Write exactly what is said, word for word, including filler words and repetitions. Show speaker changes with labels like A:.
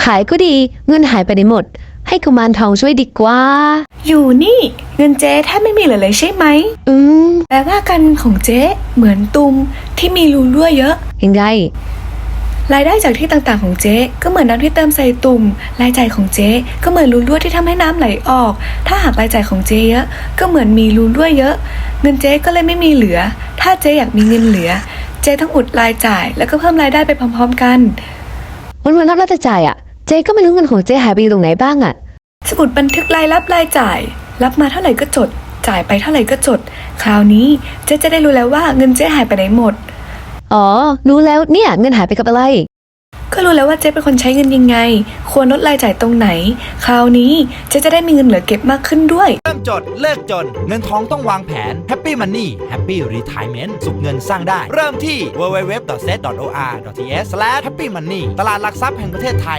A: ายก็ดีเงินหายไปไหนหมดให้กุมารทองช่วยดีกว่า
B: อยู่นี่เงินเจ๊แทบไม่มีเหลือเลยใช่ไหม
A: อืม
B: แปลว่าการของเจ๊เหมือนตุ่มที่มีรูรั่วเยอะ
A: ยังไง
B: รายได้จากที่ต่างๆของเจ๊ก็เหมือนน้ำที่เติมใส่ตุ่มรายจ่ายของเจ๊ก็เหมือนรูรั่วที่ทำให้น้ำไหลออกถ้าหากรายจ่ายของเจ๊เยอะก็เหมือนมีรูรั่วเยอะเงินเจ๊ก็เลยไม่มีเหลือถ้าเจ๊อยากมีเงินเหลือเจ๊ต้องอุดรายจ่ายแล้วก็เพิ่มรายได้ไปพร้อมๆกัน
A: วันวันนับรายจ่ายอ่ะเจ๊ก็ไม่รู้เงินของเจ๊หายไปอยู่ตรงไหนบ้างอ่ะ
B: สมุดบันทึกรายรับรายจ่ายรับมาเท่าไหร่ก็จดจ่ายไปเท่าไหร่ก็จดคราวนี้เจ๊จะได้รู้แล้วว่าเงินเจ๊หายไปไหนหมด
A: อ๋อรู้แล้วเนี่ยเงินหายไปกับอะไร
B: ก็รู้แล้วว่าเจ๊เป็นคนใช้เงินยังไงควรลดรายจ่ายตรงไหนคราวนี้เจ๊จะได้มีเงินเหลือเก็บมากขึ้นด้วย
C: เริ่มจดเลิกจนเงินทองต้องวางแผน Happy Money Happy Retirement สุขเงินสร้างได้เริ่มที่ ดับเบิลยู ดับเบิลยู ดับเบิลยู ดอท เซต ดอท โอ อาร์ ดอท ที เอช สแลช แฮปปี้ มันนี่ ตลาดหลักทรัพย์แห่งประเทศไทย